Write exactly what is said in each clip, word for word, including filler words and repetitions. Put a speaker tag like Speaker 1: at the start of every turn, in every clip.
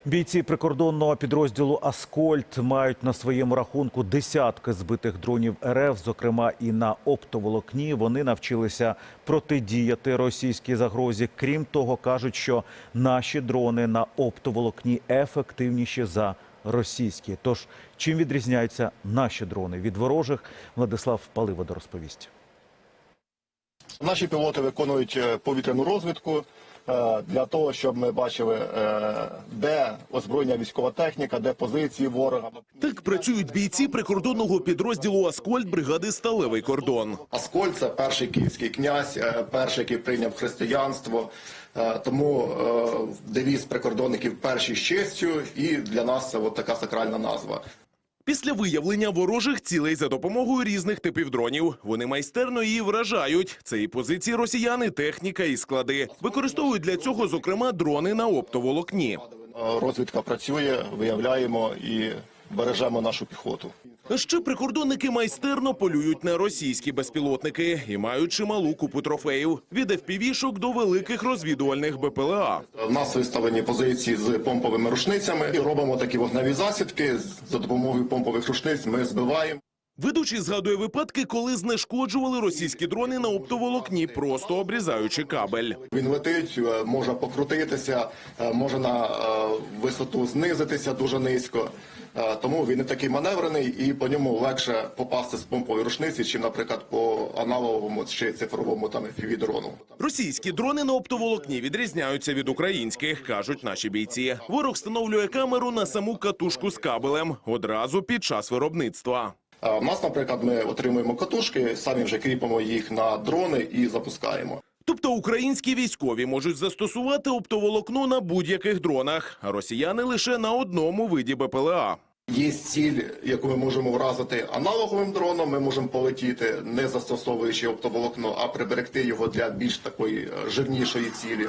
Speaker 1: Бійці прикордонного підрозділу «Аскольд» мають на своєму рахунку десятки збитих дронів РФ, зокрема і на оптоволокні. Вони навчилися протидіяти російській загрозі. Крім того, кажуть, що наші дрони на оптоволокні ефективніші за російські. Тож, чим відрізняються наші дрони від ворожих, Владислав Паливода розповість.
Speaker 2: Наші пілоти виконують повітряну розвідку для того, щоб ми бачили, де озброєння військова техніка, де позиції ворога.
Speaker 3: Так працюють бійці прикордонного підрозділу «Аскольд» бригади «Сталевий кордон».
Speaker 2: Аскольд – це перший київський князь, перший, який прийняв християнство. Тому девіз прикордонників «Перші з честю», і для нас це от така сакральна назва.
Speaker 3: Після виявлення ворожих цілей за допомогою різних типів дронів вони майстерно її вражають. Це і позиції росіян, і техніка, і склади. Використовують для цього, зокрема, дрони на оптоволокні.
Speaker 2: Розвідка працює, виявляємо і бережемо нашу піхоту.
Speaker 3: А ще прикордонники майстерно полюють на російські безпілотники і мають чималу купу трофеїв. Від еф пі ві-шок до великих розвідувальних бе пе ел а.
Speaker 2: У нас виставлені позиції з помповими рушницями і робимо такі вогневі засідки. За допомогою помпових рушниць ми збиваємо.
Speaker 3: Ведучий згадує випадки, коли знешкоджували російські дрони на оптоволокні, просто обрізаючи кабель.
Speaker 2: Він летить, може покрутитися, може на висоту знизитися дуже низько. Тому він не такий маневрений і по ньому легше попасти з помпової рушниці, чим, наприклад, по аналоговому чи цифровому там еф пі ві-дрону.
Speaker 3: Російські дрони на оптоволокні відрізняються від українських, кажуть наші бійці. Ворог встановлює камеру на саму катушку з кабелем одразу під час виробництва.
Speaker 2: У нас, наприклад, ми отримуємо катушки, самі вже кріпимо їх на дрони і запускаємо.
Speaker 3: Тобто українські військові можуть застосувати оптоволокно на будь-яких дронах, а росіяни лише на одному виді бе пе ел а.
Speaker 2: Є ціль, яку ми можемо вразити аналоговим дроном, ми можемо полетіти, не застосовуючи оптоволокно, а приберегти його для більш такої жирнішої цілі.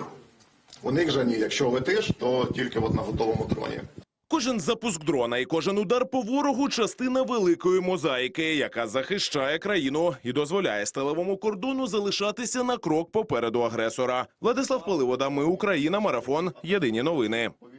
Speaker 2: У них же ні, якщо летиш, то тільки от на готовому дроні.
Speaker 3: Кожен запуск дрона і кожен удар по ворогу – частина великої мозаїки, яка захищає країну і дозволяє сталевому кордону залишатися на крок попереду агресора. Владислав Паливода, ми Україна, марафон, єдині новини.